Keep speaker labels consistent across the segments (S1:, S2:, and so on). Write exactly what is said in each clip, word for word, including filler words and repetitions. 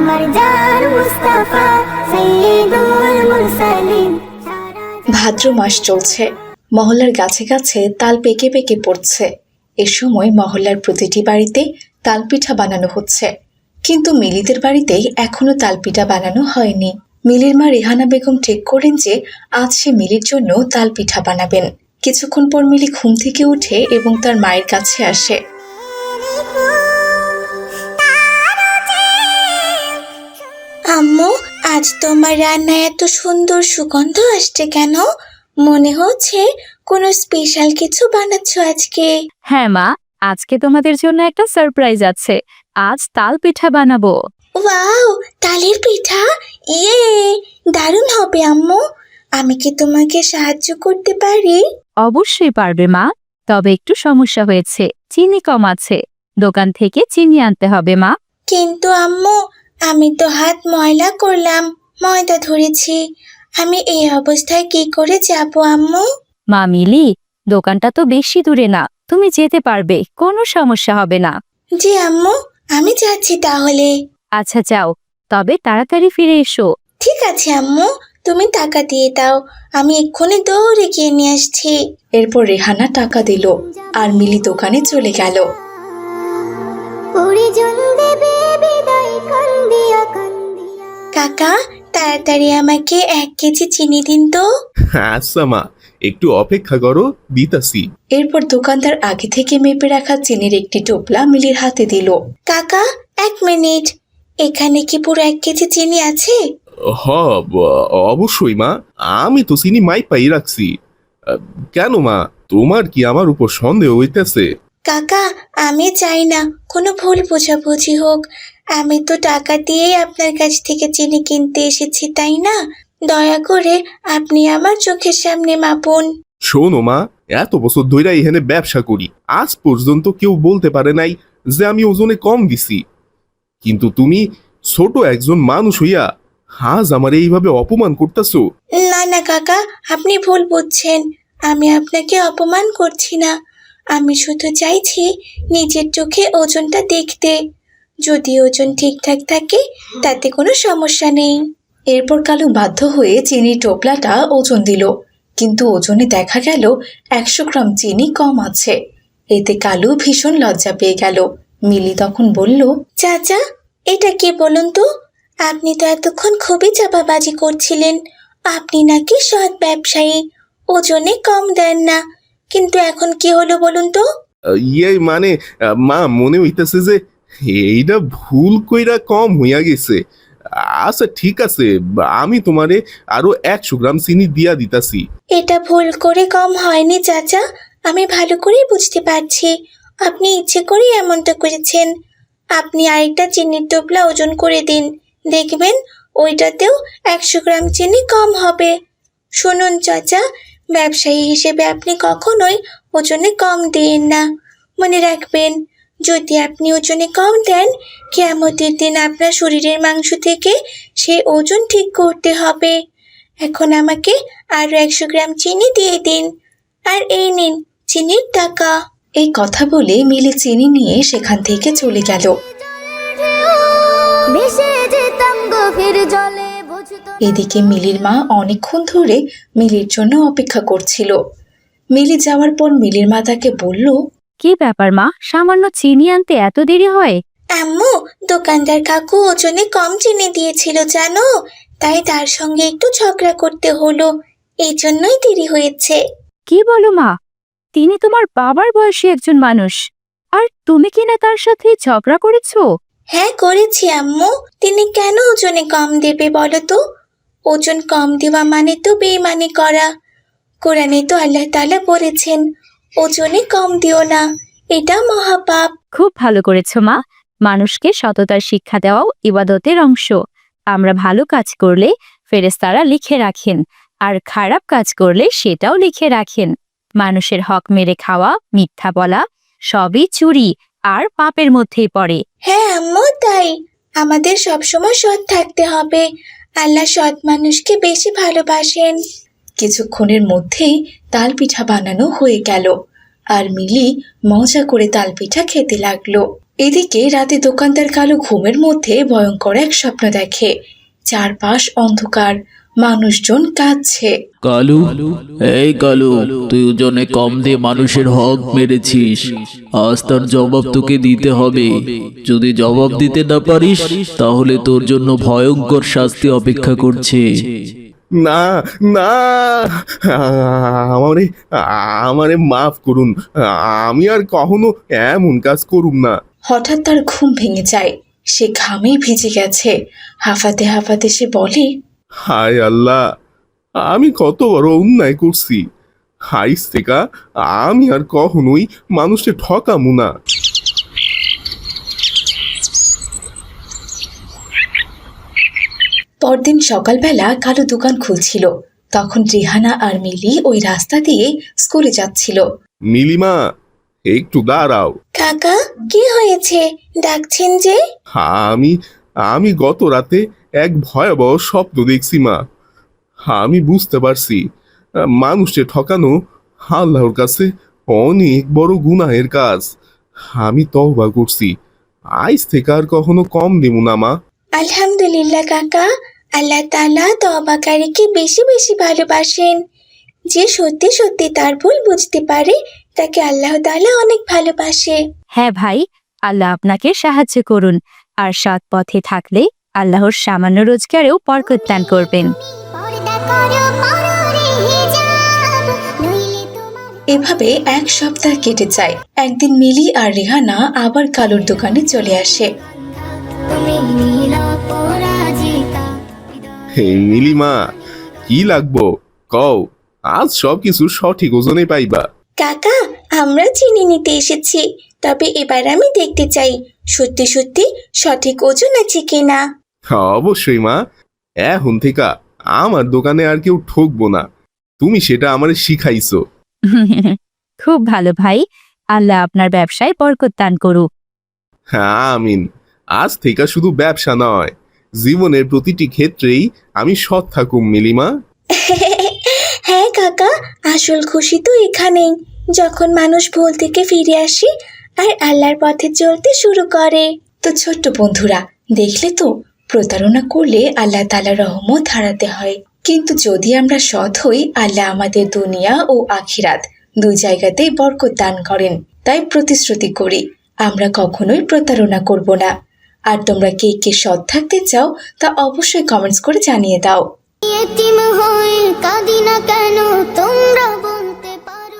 S1: ভাদ্র মাস চলছে, মহল্লার গাছে গাছে তাল পেকে পেকে পড়ছে। এ সময় মহল্লার প্রতিটি বাড়িতে তালপিঠা বানানো হচ্ছে, কিন্তু মিলিদের বাড়িতে এখনো তালপিঠা বানানো হয়নি। মিলির মা রেহানা বেগম ঠিক করেন যে আজ সে মিলির জন্য তালপিঠা বানাবেন। কিছুক্ষণ পর মিলি ঘুম থেকে উঠে এবং তার মায়ের কাছে আসে।
S2: আম্মু, আজ তোমার রান্নায় এত সুন্দর সুগন্ধ আসছে কেন? মনে হচ্ছে কোনো স্পেশাল কিছু বানাচ্ছ আজকে।
S3: হ্যাঁ মা, আজকে তোমাদের জন্য একটা সারপ্রাইজ আছে। আজ তাল পিঠা বানাবো।
S2: ওয়াও, তালের পিঠা! ইয়ে, দারুণ হবে আম্মু। আমি কি তোমাকে সাহায্য করতে পারি?
S3: অবশ্যই পারবে মা, তবে একটু সমস্যা হয়েছে, চিনি কম আছে। দোকান থেকে চিনি আনতে হবে মা।
S2: কিন্তু আম্মু, আমি তো হাত ময়লা করলাম, ময়দা ধরেছি। আমি এই অবস্থায় কি করে যাব আম্মু?
S3: মা মিলি, দোকানটা তো বেশি দূরে না, তুমি যেতে পারবে, কোনো সমস্যা হবে না।
S2: জি আম্মু, আমি যাচ্ছি তাহলে।
S3: আচ্ছা যাও, তবে তাড়াতাড়ি ফিরে এসো।
S2: ঠিক আছে আম্মু, তুমি টাকা দিয়ে দাও, আমি এক্ষুনি দৌড়ে গিয়ে নিয়ে আসছি।
S1: এরপর রেহানা টাকা দিল আর মিলি দোকানে চলে গেল।
S2: কাকা, তাড়াতাড়ি আমাকে এক কেজি চিনি দিন তো।
S4: আচ্ছা মা, একটু অপেক্ষা করো, দিতাছি।
S1: এরপর দোকানদার আগে থেকে মেপে রাখা চিনির একটি টোপলা মিলির হাতে দিল।
S2: কাকা, এক মিনিট, এখানে কি পুরো এক কেজি চিনি আছে?
S4: হ, অবশ্যই মা, আমি তো চিনি মাইপাই রাখছি। কেন মা, তোমার কি আমার উপর সন্দেহ হইতেছে?
S2: কাকা, আমি চাই না কোনো ভুল বোঝাবুঝি হোক। আমি তো টাকা দিয়েই আপনার কাছ থেকে চিনি কিনতে এসেছি, তাই না? দয়া করে আপনি আমার চোখের সামনে মাপুন।
S4: শোনো মা, এত বছর ধরে এখানে ব্যবসা করি, আজ পর্যন্ত কেউ বলতে পারে নাই যে আমি ওজনে কম দিছি। কিন্তু তুমি ছোট একজন মানুষ হইয়া আজ আমার এইভাবে অপমান করতেছো।
S2: না না কাকা, আপনি ভুল বুঝছেন। আমি আপনাকে অপমান করছি না, আমি শুধু চাইছি নিজের চোখে ওজনটা দেখতে। যদি ওজন ঠিকঠাক থাকে তাতে কোনো সমস্যা নেই।
S1: এরপর কালু বাধ্য হয়ে চিনির টোপলাটা ওজন দিল, কিন্তু ওজনে দেখা গেল একশো গ্রাম চিনি কম আছে। এতে কালু ভীষণ লজ্জা পেয়ে গেল। মিলি তখন বলল,
S2: চাচা, এটা কি বলুন তো? আপনি তো এতক্ষণ খুবই চাপাবাজি করছিলেন। আপনি নাকি সৎ ব্যবসায়ী, ওজনে কম দেন না, কিন্তু এখন কি হলো বলুন তো?
S4: ইয়ে মানে মা, মনে হইতেছে যে এইটা ভুল কইরা কম হইয়া গেছে। আচ্ছা ঠিক আছে, আমি তোমারে আরো একশো গ্রাম চিনি দিয়া দিতাছি।
S2: এটা ভুল করে কম হয়নি চাচা, আমি ভালো করেই বুঝতে পারছি। আপনি ইচ্ছে করে এমনটা করেছেন। আপনি আরেকটা চিনির টোপলা ওজন করে দিন, দেখবেন ওইটাতেও একশো গ্রাম চিনি কম হবে। শুনুন চাচা, ব্যবসায়ী হিসেবে আপনি কখনোই ওজনে কম দিন না। মনে রাখবেন, যদি আপনি ওজনে কম দেন, কিয়ামতের দিন আপনার শরীরের মাংস থেকে সেই ওজন ঠিক করতে হবে। এখন আমাকে আরো একশো গ্রাম চিনি দিয়ে দিন, আর এই নিন চিনির টাকা।
S1: এই কথা বলে মিলি চিনি নিয়ে সেখান থেকে চলে গেল। এদিকে মিলির মা অনেকক্ষণ ধরে মিলির জন্য অপেক্ষা করছিল। মিলি যাওয়ার পর মিলির মা তাকে বলল,
S3: কি ব্যাপার মা, সামান্য চিনি আনতে এত দেরি হয়?
S2: আম্মু, দোকানদার কাকু ওজনে কম চিনি দিয়েছিল জানো, তাই তার সঙ্গে একটু ঝগড়া করতে হলো, এই জন্যই দেরি হয়েছে।
S3: কি বলো মা, তিনি তোমার বাবার বয়সী একজন মানুষ, আর তুমি কিনা তার সাথে ঝগড়া করেছো?
S2: হ্যাঁ করেছি আম্মু, তিনি কেন ওজনে কম দেবে বলো তো? ওজন কম দেওয়া মানে তো বেইমানি করা। কোরআনে তো আল্লাহ তাআলা বলেছেন, ওজনে কম দিও না, এটা মহাপাপ।
S3: খুব ভালো করেছো মা, মানুষকে সততার শিক্ষা দেওয়াও ইবাদতের অংশ। আমরা ভালো কাজ করলে ফেরেশতারা লিখে রাখেন, আর খারাপ কাজ করলে সেটাও লিখে রাখেন। মানুষের হক মেরে খাওয়া, মিথ্যা বলা সবই চুরি আর পাপের মধ্যেই পড়ে।
S2: হ্যাঁ আম্মু, তাই আমাদের সবসময় সৎ থাকতে হবে। আল্লাহ সৎ মানুষকে বেশি ভালোবাসেন।
S1: কিছুক্ষণের মধ্যেই তাল পিঠা বানানো হয়ে গেল, আর মিলি মজা করে তাল পিঠা খেতে লাগলো। এদিকে রাতে দোকানদার কালু ঘুমের মধ্যে ভয়ঙ্কর এক স্বপ্ন দেখে। চারপাশ অন্ধকার, মানুষজন কাঁদছে।
S5: কালু, এই কালু, তুই ওজনে কম দিয়ে মানুষের হক মেরেছিস। আজ তার জবাব তোকে দিতে হবে। যদি জবাব দিতে না পারিস তাহলে তোর জন্য ভয়ঙ্কর শাস্তি অপেক্ষা করছে।
S4: না না, আমারে আমারে মাফ করুন, আমি আর কখনো এমন কাজ করুম না।
S1: হঠাৎ তার ঘুম ভেঙে যায়। সে ঘামে ভিজে গেছে। হাঁফাতে হাঁফাতে সে বলে,
S4: হায় আল্লাহ, আমি কত বড় অন্যায় করছি। হাইস থেকে আমি আর কখনোই মানুষকে ঠকামু না।
S1: পরদিন সকালবেলা কালু দোকান খুলছিল। তখন রিহানা আর মিলি ওই রাস্তা দিয়ে স্কুলে যাচ্ছিল।
S4: নীলিমা, একটু দাঁড়াও।
S2: কাকা, কি হয়েছে? ডাকছেন যে?
S4: আমি আমি গত রাতে এক ভয়াবহ স্বপ্ন দেখছি মা। আমি বুঝতে পারছি মানুষকে ঠকানো আল্লাহর কাছে অনেক বড় গুনাহের কাজ। আমি তওবা করছি, আজ থেকে আর কখনো কম দেব না মা।
S2: আলহামদুলিল্লাহ কাকা, আল্লাহ তাআলা তওবাকারীকে বেশি বেশি ভালোবাসেন। যে সত্যি সত্যি তার ভুল বুঝতে পারে তাকে আল্লাহ তাআলা অনেক ভালোবাসে।
S3: হ্যাঁ ভাই, আল্লাহ আপনাকে সাহায্য করুন। আর সৎ পথে থাকলে আল্লাহর সামান্য রোজগারেও বরকত দান করবেন।
S1: এভাবে এক সপ্তাহ কেটে যায়। একদিন মিলি আর রিহানা আবার কালুর দোকানে চলে আসে।
S4: হে নীলিমা, কি লাগবো কও, আজ সব কিছু সঠিক ওজনে পাইবা।
S2: কাকা, আমরা চিনি নিতে এসেছি, তবে এবার আমি দেখতে চাই সত্যি সত্যি সঠিক ওজন আছে কিনা।
S4: অবশ্যই মা, এখন থেকে আমার দোকানে আর কেউ ঠকবো না। তুমি সেটা আমারে শিখাইছো।
S3: খুব ভালো ভাই, আল্লাহ আপনার ব্যবসায় বরকত দান করুক।
S4: হ্যাঁ আমিন। আজ থেকে শুধু ব্যবসা নয়, জীবনের প্রতিটি ক্ষেত্রেই আমি সৎ থাকুম নীলিমা।
S2: হ্যাঁ কাকা, আসল খুশি তো এখানেই, যখন মানুষ ভুল থেকে ফিরে আসে আর আল্লাহর পথে চলতে শুরু করে।
S1: তো ছোট্ট বন্ধুরা, দেখলে তো, প্রতারণা করলে আল্লাহ তাআলার রহমত হারাতে হয়। কিন্তু যদি আমরা সৎ হই, আল্লাহ আমাদের দুনিয়া ও আখিরাত দুই জায়গাতেই বরকত দান করেন। তাই প্রতিশ্রুতি করি, আমরা কখনোই প্রতারণা করব না। আর তোমরা কে কে সৎ থাকতে চাও তা অবশ্যই কমেন্টস করে জানিয়ে দাও।
S6: এতিম হয়ে কাঁদি না কেন তোমরা বলতে পারো।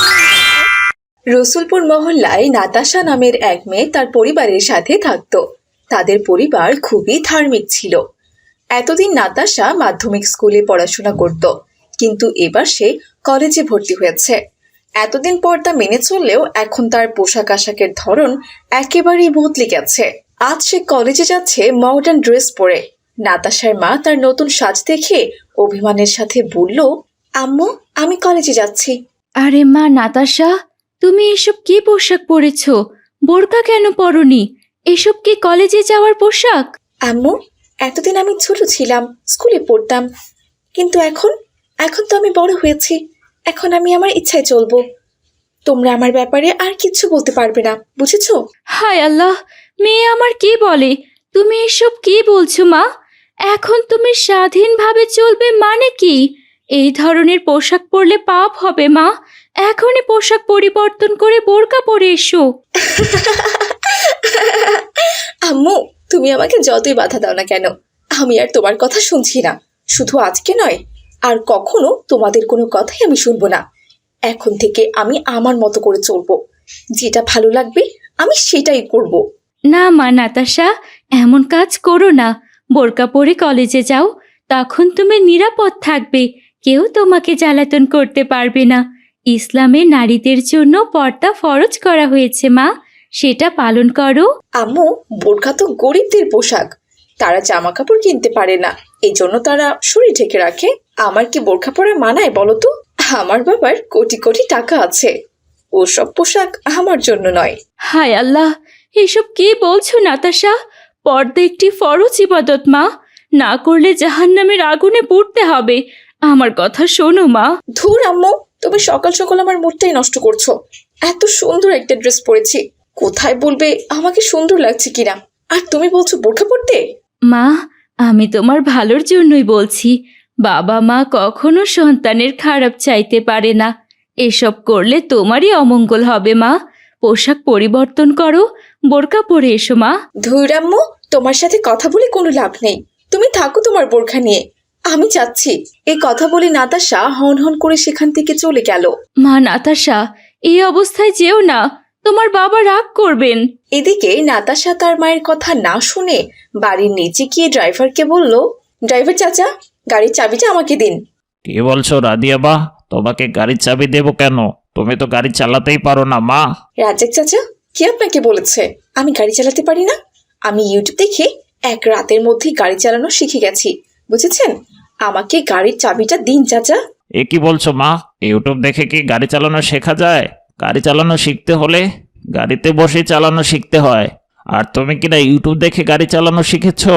S1: রসুলপুর মহল্লায় নাতাশা নামের এক মেয়ে তার পরিবারের সাথে থাকত। তাদের পরিবার খুবই ধার্মিক ছিল। এতদিন নাতাশা মাধ্যমিক স্কুলে পড়াশোনা করত, কিন্তু এবার সে কলেজে ভর্তি হয়েছে। এতদিন পর তা মেনে চললেও এখন তার পোশাক আশাকের ধরন একেবারেই বদলে গেছে। আজ সে কলেজে যাচ্ছে মডার্ন ড্রেস পরে। নাতাশার মা তার নতুন সাজ দেখে অভিমানের সাথে বলল, আম্মু, আমি কলেজে যাচ্ছি।
S7: আরে মা নাতাশা, তুমি এসব কি পোশাক পরেছ? বোরকা কেন পরনি? এসব কি কলেজে যাওয়ার পোশাক?
S1: আম্মু, এতদিন আমি ছোট ছিলাম, স্কুলে পড়তাম, কিন্তু এখন এখন তো আমি বড় হয়েছি। এখন আমি আমার ইচ্ছায় চলবো। তোমরা আমার ব্যাপারে আর কিচ্ছু বলতে পারবে না, বুঝেছো?
S7: হায় আল্লাহ, মেয়ে আমার কি বলে? তুমি এসব কি বলছো মা? এখন তুমি স্বাধীনভাবে চলবে মানে কি? এই ধরনের পোশাক পরলে পাপ হবে মা। এখনই পোশাক পরিবর্তন করে বোরকা পরে এসো।
S1: আম্মু, তুমি আমাকে যতই বাধা দাও না কেন, আমি আর তোমার কথা শুনছি না। শুধু আজকে নয়, আর কখনো তোমাদের কোনো কথাই আমি শুনবো না। এখন থেকে আমি আমার মতো করে চলবো। যেটা ভালো লাগবে আমি সেটাই করব।
S7: না মা নাতাশা, এমন কাজ করো না। বোরকা পরে কলেজে যাও, তখন তুমি নিরাপদ থাকবে। কেউ তোমাকে জ্বালাতন করতে পারবে না। ইসলামে নারীদের জন্য পর্দা ফরজ করা হয়েছে মা, সেটা পালন করো।
S1: আম্মু, বোরখা তো গরিবদের পোশাক, তারা জামা কাপড় কিনতে পারে না, এই জন্য তারা শরীর ঢেকে রাখে। আমার কি বোরখা পরা মানায় বলো তো? আমার বাবার কোটি কোটি টাকা আছে, ওসব পোশাক আমার জন্য নয়।
S7: হায় আল্লাহ, এসব কি বলছো নাতাশা? পর্দা একটি ফরজ ইবাদত মা, না করলে জাহান্নামের আগুনে পুড়তে হবে। আমার কথা শোনো মা।
S1: ধুর আম্মু, তুমি সকাল সকাল আমার মুডটাই নষ্ট করছো। এত সুন্দর একটা ড্রেস পরেছি, কোথায় বলবে আমাকে সুন্দর লাগছে কিনা, আর তুমি বলছো বোরখা পরতে?
S7: মা, আমি তোমার ভালোর জন্যই বলছি। বাবা মা কখনো সন্তানের খারাপ চাইতে পারে না। এসব করলে তোমারই অমঙ্গল হবে মা। পোশাক পরিবর্তন করো, বোরকা পরে এসো মা।
S1: ধৈরাম্মু, তোমার সাথে কথা বলে কোনো লাভ নেই, তুমি থাকো তোমার বোরখা নিয়ে, আমি যাচ্ছি। এই কথা বলে নাতাশা হন হন করে সেখান থেকে চলে গেল।
S7: মা নাতাশা, এই অবস্থায় যেও না, তোমার বাবা রাগ করবেন।
S1: এদিকে নাতাশা তার মায়ের কথা না শুনে বাড়ির নিচে গিয়ে ড্রাইভারকে বলল, ড্রাইভার চাচা, গাড়ির চাবিটা আমাকে দিন।
S8: কি বলছো রাদিয়া বা? তোমাকে গাড়ির চাবি দেবো কেন? তুমি তো গাড়ি চালাতেই পারো না মা।
S1: রাজ্জাক চাচা, কি আপনাকে বলেছে আমি গাড়ি চালাতে পারি না? আমি ইউটিউব দেখে এক রাতের মধ্যেই গাড়ি চালানো শিখে গেছি, বুঝেছেন? আমাকে গাড়ির চাবিটা দিন চাচা।
S8: এ কি বলছো মা? ইউটিউব দেখে কি গাড়ি চালানো শেখা যায়? গাড়ি চালানো শিখতে হলে গাড়িতে বসে চালানো শিখতে হয়। আর তুমি কিনা ইউটিউব দেখে গাড়ি চালানো শিখেছো?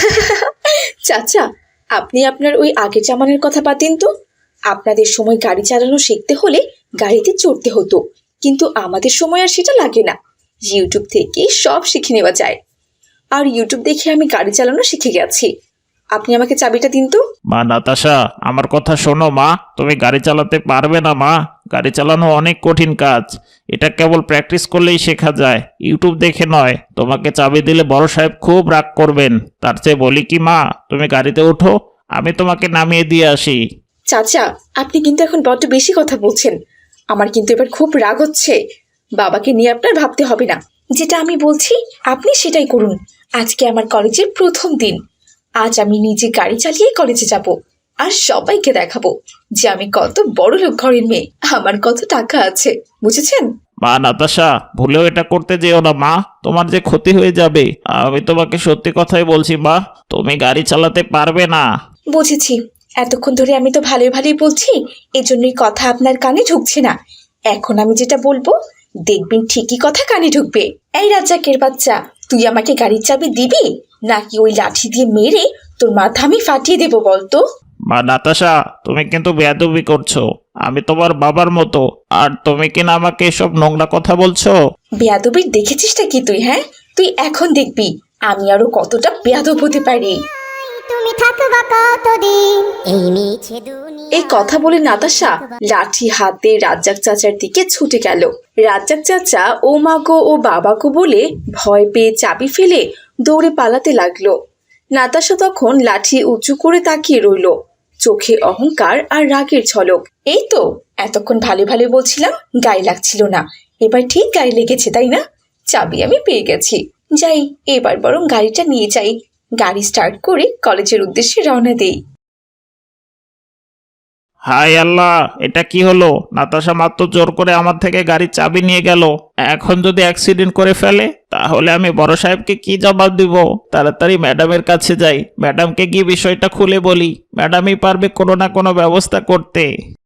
S1: চাচা, আপনি আপনার ওই আগের জামানের কথা বাদ দিন তো। আপনাদের সময় গাড়ি চালানো শিখতে হলে গাড়িতে চড়তে হতো, কিন্তু আমাদের সময় আর সেটা লাগে না। ইউটিউব থেকে সব শিখে নেওয়া যায়। আর ইউটিউব দেখে আমি গাড়ি চালানো শিখে গেছি। আপনি আমাকে চাবিটা দিন তো।
S8: মা নাতাশা, আমার কথা শোনো মা। তুমি গাড়ি চালাতে পারবে না মা। গাড়ি চালানো অনেক কঠিন কাজ। এটা কেবল প্র্যাকটিস করলেই শেখা যায়, ইউটিউব দেখে নয়। তোমাকে চাবি দিলে বড় সাহেব খুব রাগ করবেন। তার চেয়ে বলি কি মা, তুমি গাড়িতে ওঠো, আমি তোমাকে নামিয়ে দিয়ে আসি।
S1: চাচা, আপনি কিন্তু এখন বড্ড বেশি কথা বলছেন। আমার কিন্তু এবার খুব রাগ হচ্ছে। বাবাকে নিয়ে আপনার ভাবতে হবে না, যেটা আমি বলছি আপনি সেটাই করুন। আজকে আমার কলেজের প্রথম দিন। আজ আমি নিজে গাড়ি চালিয়ে কলেজে যাব, আর সবাইকে দেখাবো যে আমি কত বড় লোক ঘরের মেয়ে, আমার কত টাকা আছে, বুঝেছেন?
S8: মা নাতাশা, ভুলেও এটা করতে যেও না মা, তোমার যে ক্ষতি হয়ে যাবে। আমি তোমাকে সত্যি কথাই বলছি মা, তুমি গাড়ি চালাতে পারবে না।
S1: বুঝেছি, এতক্ষণ ধরে আমি তো ভালোই ভালোই বলছি, এজন্যই কথা আপনার কানে ঢুকছে না। এখন আমি যেটা বলবো দেখবেন ঠিকই কথা কানে ঢুকবে। এই রাজ্জাকের বাচ্চা, তুই আমাকে গাড়ির চাবি দিবি নাকি ওই লাঠি দিয়ে মেরে তোর মাথা আমি ফাটিয়ে দেবো বলতো?
S8: মা নাতাশা, তুমি কিন্তু বেয়াদবি করছো। আমি তোমার বাবার মতো, আর তুমি কিনা আমাকে এসব নোংরা কথা বলছো।
S1: বেয়াদবির দেখেছিসটা কি তুই? হ্যাঁ, তুই এখন দেখবি আমি আরো কতটা বেয়াদব হতে পারি।
S6: তুমি থাকবা কতদিন এই মিছে দুনিয়া।
S1: এই কথা বলে নাতাশা লাঠি হাতে রাজ্জাক চাচার দিকে ছুটে গেল। রাজ্জাক চাচা ও মা গো ও বাবা গো বলে ভয় পেয়ে চাবি ফেলে দৌড়ে পালাতে লাগলো। নাতাশা তখন লাঠি উঁচু করে তাকিয়ে রইল, চোখে অহংকার আর রাগের ঝলক। এই তো এতক্ষণ ভালো ভালো বলছিলাম, গায়ে লাগছিল না, এবার ঠিক গায়ে লেগেছে তাই না? চাবি আমি পেয়ে গেছি, যাই এবার বরং গাড়িটা নিয়ে যাই। গাড়ি স্টার্ট করে কলেজের উদ্দেশ্যে রওনা দেই।
S8: হায় আল্লাহ, এটা কি হলো? নাতাশা মাত্র জোর করে আমার থেকে গাড়ির চাবি নিয়ে গেল। এখন যদি অ্যাক্সিডেন্ট করে ফেলে তাহলে আমি বড় সাহেবকে কি জবাব দিব? তাড়াতাড়ি ম্যাডামের কাছে যাই, ম্যাডামকে গিয়ে বিষয়টা খুলে বলি। ম্যাডামই পারবে কোনো না কোনো ব্যবস্থা করতে।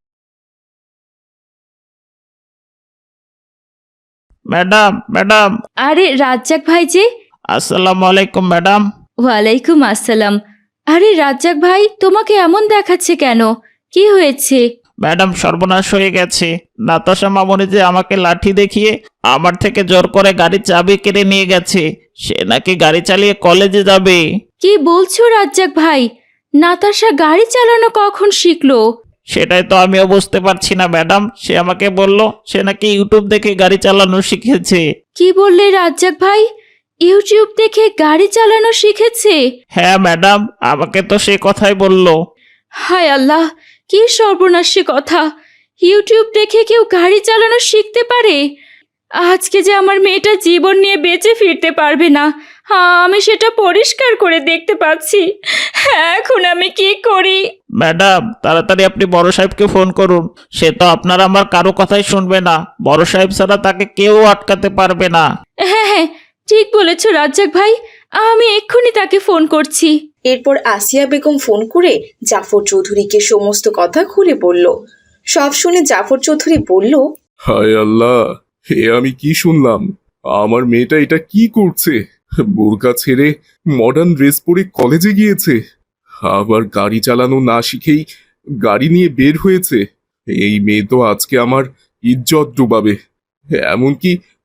S8: Madam, madam.
S7: আরে রাজ্জাক ভাই যে।
S8: আসসালামু আলাইকুম ম্যাডাম।
S7: ওয়ালাইকুম আসসালাম। আরে রাজ্জাক ভাই, তোমাকে এমন দেখাচ্ছে কেন? কি হয়েছে?
S8: ম্যাডাম, সর্বনাশ হয়ে গেছে। নাতাশা মামনি যে আমাকে লাঠি দেখিয়ে আমার থেকে জোর করে গাড়ির চাবি কেড়ে নিয়ে গেছে। সে নাকি গাড়ি চালিয়ে কলেজে যাবে।
S7: কি বলছো রাজ্জাক ভাই? নাতাশা গাড়ি চালানো কখন শিখলো?
S8: সেটাই তো আমিও বুঝতে পারছি না ম্যাডাম। সে আমাকে বলল সে নাকি ইউটিউব দেখে গাড়ি চালানো শিখেছে।
S7: কি বললে রাজ্জাক ভাই? ইউটিউব দেখে গাড়ি চালানো শিখেছে?
S8: হ্যাঁ ম্যাডাম, আমাকে তো সে কথাই বলল।
S7: হায় আল্লাহ, কি সর্বনাশী কথা! ইউটিউব দেখে কেউ গাড়ি চালানো শিখতে পারে? আজকে যে আমার মেয়েটা জীবন নিয়ে বেঁচে ফিরতে পারবে না, আমি সেটা পরিষ্কার করে দেখতে পাচ্ছি। এখন আমি কি করি?
S8: ম্যাডাম, তাড়াতাড়ি আপনি বড় সাহেবকে ফোন করুন। সে তো আপনার আমার কারো কথাই শুনবে না। বড় সাহেব ছাড়া তাকে কেউ আটকাতে পারবে না।
S7: হ্যাঁ হ্যাঁ, ঠিক বলেছ রাজ্জাক ভাই, আমি এক্ষুনি তাকে ফোন করছি।
S1: এরপর আসিয়া বেগম ফোন করে জাফর চৌধুরীকে সমস্ত কথা খুলে বলল। সব শুনে জাফর চৌধুরী বলল,
S4: হায় আল্লাহ, হে আমি কি শুনলাম? আমার মেয়েটা এটা কি করছে? বোরকা ছেড়ে মডার্ন ড্রেস পরে কলেজে গিয়েছে, আবার গাড়ি চালানো না শিখেই গাড়ি নিয়ে বের হয়েছে। এই মেয়ে তো আজকে আমার ইজ্জত ডুবাবে। এমনকি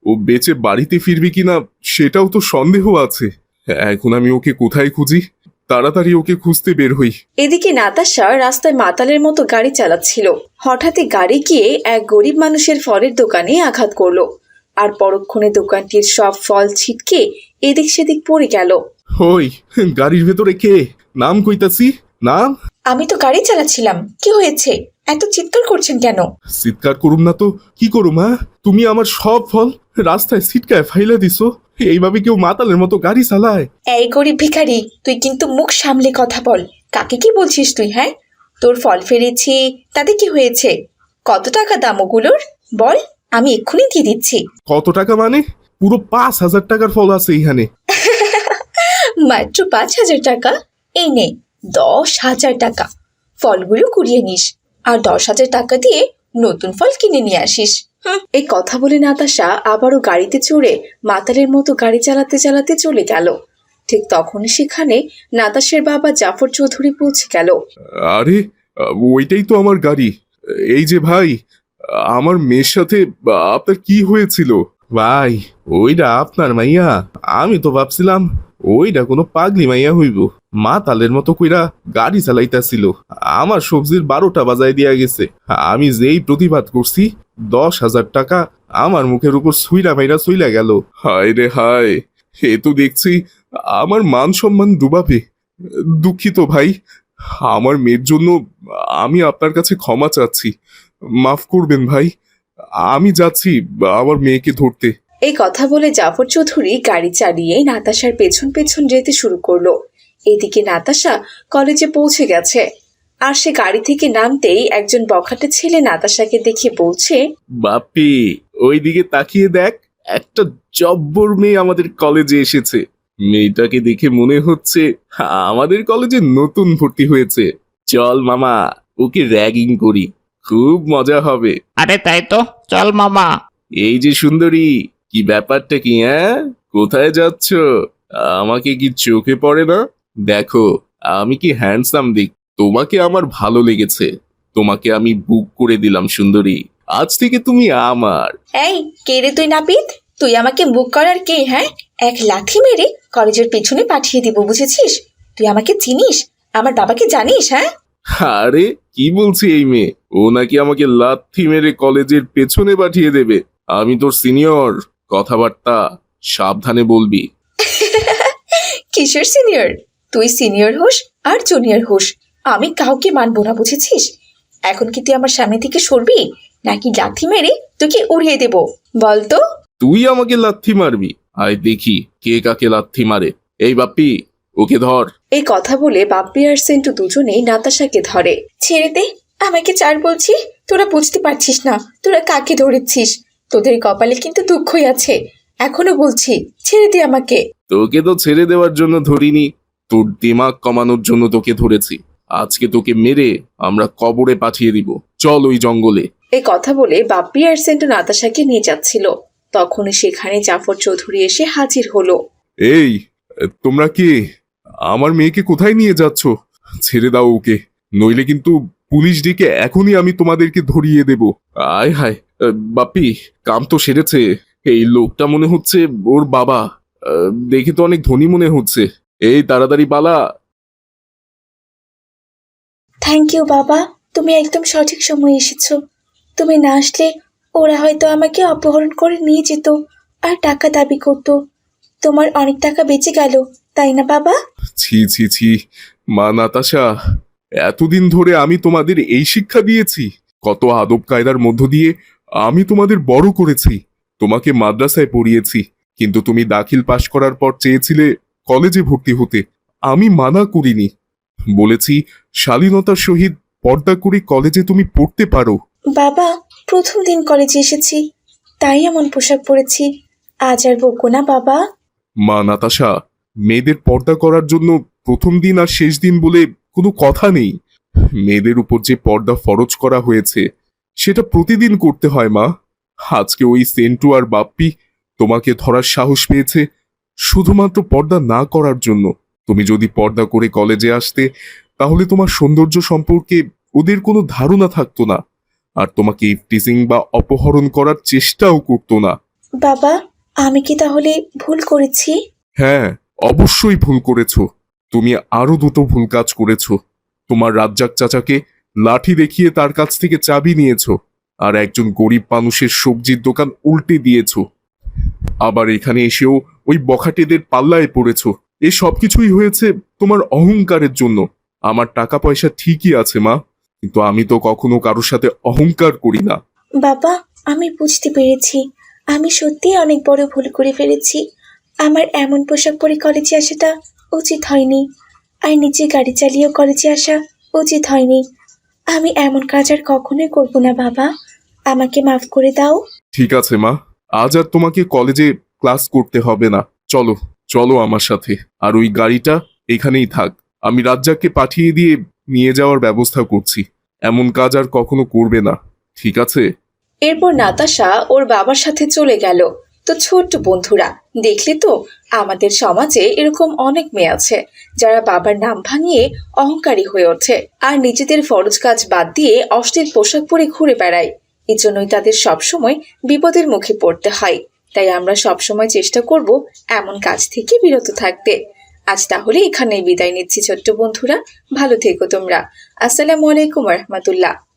S4: ও বেঁচে বাড়িতে ফিরবে কিনা সেটাও তো সন্দেহ আছে। এখন আমি ওকে কোথায় খুঁজি? তাড়াতাড়ি ওকে খুঁজতে বের হই।
S1: এদিকে নাতাশা রাস্তায় মাতালের মতো গাড়ি চালাচ্ছিল। হঠাৎই গাড়ি গিয়ে এক গরিব মানুষের ফলের দোকানে আঘাত করলো, আর পরক্ষণে দোকানটির সব ফল ছিটকে এদিক সেদিক পড়ে গেল।
S4: ওই গাড়ির ভেতরে কে? নাম কইতাছি, নাম।
S1: আমি তো গাড়ি চালাচ্ছিলাম, কি হয়েছে? এত চিৎকার করছেন কেন?
S4: চিৎকার করুম না তো কি করুম? হ্যাঁ, তুমি আমার সব ফল রাস্তায় ছিটকায় ফাইলা দিছো। এইভাবে কেউ মাতালের মতো গাড়ি চালায়?
S1: এই গরিব ভিখারি, তুই কিন্তু মুখ সামলে কথা বল। কাকে কি বলছিস তুই? হ্যাঁ, তোর ফল ফেলেছি, তাতে কি হয়েছে? কত টাকা দাম ওগুলোর বল, আমি এক্ষুনি দিয়ে দিচ্ছি।
S4: কত টাকা মানে? পুরো পাঁচ হাজার টাকার ফল আছে এইখানে।
S1: মাত্র পাঁচ হাজার টাকা? এই নে দশ হাজার টাকা, ফলগুলো কুড়িয়ে নিস, আর দশ হাজার টাকা দিয়ে নতুন ফল কিনে নিয়ে আসিস। হুম। এই কথা বলে নাতাশা আবারও গাড়িতে চড়ে মাতালের মতো গাড়ি চালাতে চালাতে চলে গেল। ঠিক তখন সেখানে নাতাশার বাবা জাফর চৌধুরী পৌঁছে গেল।
S4: আরে ওইটাই তো আমার গাড়ি। এই যে ভাই, আমার মেয়ের সাথে আপনার কি হয়েছিল? ভাই ওইটা আপনার মাইয়া? আমি তো ভাবছিলাম ওইটা কোনো পাগলি মাইয়া হইব। মাতালের মতো কইরা গাড়ি চালাইতাছিল, আমার সবজির বারোটা বাজায় দিয়া গেছে। আমি যেই প্রতিবাদ করছি, দশ হাজার টাকা আমার মুখের উপর সুইরা মাইরা চইলা গেল। হায় রে হায়, এ তো দেখছি আমার মান সম্মান ডুবাবে। দুঃখিত ভাই, আমার মেয়ের জন্য আমি আপনার কাছে ক্ষমা চাচ্ছি, মাফ করবেন ভাই। আমি যাচ্ছি আমার মেয়েকে ধরতে।
S1: এই কথা বলে জাফর চৌধুরী গাড়ি চালিয়ে নাতাশার পেছন পেছন যেতে শুরু করলো। এদিকে নাতাশা কলেজে পৌঁছে গেছে, আর সে গাড়ি থেকে নামতেই একজন বখাটে ছেলে নাতাশাকে দেখে বলছে,
S4: বাপি ওই দিকে তাকিয়ে দেখ, একটা জব্বর মেয়ে আমাদের কলেজে এসেছে। মেয়েটাকে দেখে মনে হচ্ছে আমাদের কলেজে নতুন ভর্তি হয়েছে। চল মামা, ওকে র্যাগিং করি, খুব মজা হবে।
S8: আরে তাই তো, চল মামা।
S4: এই যে সুন্দরী, কি ব্যাপারটা কি? হ্যাঁ, কোথায় যাচ্ছ? আমাকে কি চোখে পড়ে না? দেখো আমি কি হ্যান্ডসাম দিক, তোমাকে আমার ভালো লেগেছে, তোমাকে আমি বুক করে দিলাম সুন্দরী, আজ থেকে তুমি আমার।
S1: এই কে রে তুই নাপিত? তুই আমাকে বুক করার কে? হ্যাঁ, এক লাথি মেরে কলেজের পেছনে পাঠিয়ে দিব, বুঝেছিস? তুই আমাকে চিনিস? আমার বাবাকে জানিস? হ্যাঁ।
S4: আরে কি বলছি এই মেয়ে, ও নাকি আমাকে লাথি মেরে কলেজের পেছনে পাঠিয়ে দেবে? আমি তোর সিনিয়র, কথাবার্তা সাবধানে বলবি।
S1: কিশোর সিনিয়র? তুই সিনিয়র হোস আর জুনিয়র হোস, আমি কাউকে মানবো না, বুঝেছিস? এখন কি তুই আমার সামনে থেকে সরবি, নাকি লাথি মেরে তোকে উড়িয়ে দেব? বল তো।
S4: তুই আমাকে লাথি মারবি? আয় দেখি কে কাকে লাথি মারে। এই বাপ্পি, ওকে ধর।
S1: এই কথা বলে বাপ্পি আর সেন্টু দুজনেই নাতাশাকে ধরে। ছেড়ে দে আমাকে, চার বলছি। তোরা বুঝতে পারছিস না তোরা কাকে ধরেছিস। তোদের কপালে কিন্তু দুঃখই আছে, এখনো বলছি, ছেড়ে দে আমাকে।
S4: তোকে তো ছেড়ে দেওয়ার জন্য ধরিনি, তোর দিমাগ কমানোর জন্য তোকে ধরেছি। আজকে তোকে মেরে আমরা কবরে পাঠিয়ে দিব, চল ওই জঙ্গলে।
S1: এই কথা বলে বাপ্পি আর সেন্টু নাতাশাকে নিয়ে যাচ্ছিল, তখনই সেখানে জাফর চৌধুরী এসে হাজির হলো।
S4: এই তোমরা কে? আমার মেয়েকে কোথায় নিয়ে যাচ্ছ? ছেড়ে দাও ওকে, নইলে কিন্তু পুলিশ ডেকে এখনই আমি তোমাদেরকে ধরিয়ে দেব। আয় হায়, বাপ্পি কাম তো সেরেছে। এই লোকটা মনে হচ্ছে ওর বাবা, আহ, দেখে তো অনেক ধনী মনে হচ্ছে। এই তাড়াতাড়ি পালা।
S1: থ্যাংক ইউ বাবা, তুমি একদম সঠিক সময় এসেছো। তুমি না আসলে ওরা হয়তো আমাকে অপহরণ করে নিয়ে যেত আর টাকা দাবি করতো। তোমার অনেক টাকা বেঁচে গেল, তাই না বাবা?
S4: ছি ছি ছি, মা নাতাশা, এতদিন ধরে আমি তোমাদের এই শিক্ষা দিয়েছি, কত আদব কায়দার মধ্য দিয়ে আমি তোমাদের বড় করেছি, তোমাকে মাদ্রাসায় পড়িয়েছি, কিন্তু তুমি দাখিল পাশ করার পর চেয়েছিলে কলেজে ভর্তি হতে। আমি মানা করিনি, বলেছি শালীনতার সহিত পর্দা করে কলেজে তুমি পড়তে পারো।
S1: বাবা, প্রথম দিন কলেজে এসেছি, তাই এমন পোশাক পরেছি, আজ আর বকো না বাবা।
S4: মা নাতাশা, মেয়েদের পর্দা করার জন্য প্রথম দিন আর শেষ দিন বলে কোনো কথা নেই। মেয়েদের উপর যে পর্দা ফরজ করা হয়েছে সেটা প্রতিদিন করতে হয় মা। আজকে ওই সেন্টু আর বাপ্পি তোমাকে ধরার সাহস পেয়েছে শুধুমাত্র পর্দা না করার জন্য। তুমি যদি পর্দা করে কলেজে আসতে, তাহলে তোমার সৌন্দর্য সম্পর্কে ওদের কোনো ধারণা থাকতো না, আর তোমাকে ইফটিজিং বা অপহরণ করার চেষ্টাও করতো না।
S2: বাবা, আমি কি তাহলে ভুল করেছি?
S4: হ্যাঁ, অবশ্যই ভুল করেছো। তুমি আরো দুটো ভুল কাজ করেছো। তোমার রাজ্জাক চাচাকে লাঠি দেখিয়ে তার কাছ থেকে চাবি নিয়েছো, আর একজন গরিব মানুষের সবজির দোকান উল্টে দিয়েছো। আবার এখানে এসেও ওই বখাটেদের পাল্লায় পড়েছো। এ সব কিছুই হয়েছে তোমার অহংকারের জন্য। আমার টাকা পয়সা ঠিকই আছে মা, কিন্তু আমি তো কখনো কারোর সাথে অহংকার করি না।
S2: বাবা, আমি বুঝতে পেরেছি আমি সত্যিই অনেক বড় ভুল করে ফেলেছি। আমার এমন পোশাক পরে কলেজে আসাটা উচিত হয়নি, আর নিজে গাড়ি চালিয়েও কলেজে আসা উচিত হয়নি। আমি এমন কাজ আর কখনোই করব না বাবা, আমাকে মাফ করে দাও।
S4: ঠিক আছে মা, আজ আর তোমাকে কলেজে ক্লাস করতে হবে না। চলো চলো আমার সাথে, আর ওই গাড়িটা এখানেই থাক। আমি রাজ্জাককে পাঠিয়ে দিয়ে নিয়ে যাওয়ার ব্যবস্থা করছি। এমন কাজ আর কখনো করবে না, ঠিক আছে?
S1: এরপর নাতাশা ওর বাবার সাথে চলে গেল। তো ছোট্ট বন্ধুরা, দেখলে তো আমাদের সমাজে এরকম অনেক মেয়ে আছে যারা বাবার নাম ভাঙিয়ে অহংকারী হয়ে ওঠে আর নিজেদের ফরজ কাজ বাদ দিয়ে অশ্লীল পোশাক পরে ঘুরে বেড়ায়। এজন্যই তাদের সবসময় বিপদের মুখে পড়তে হয়। তাই আমরা সবসময় চেষ্টা করব এমন কাজ থেকে বিরত থাকতে। আজ তাহলে এখানেই বিদায় নিচ্ছি ছোট্ট বন্ধুরা, ভালো থেকো তোমরা। আসসালামু আলাইকুম রহমতুল্লাহ।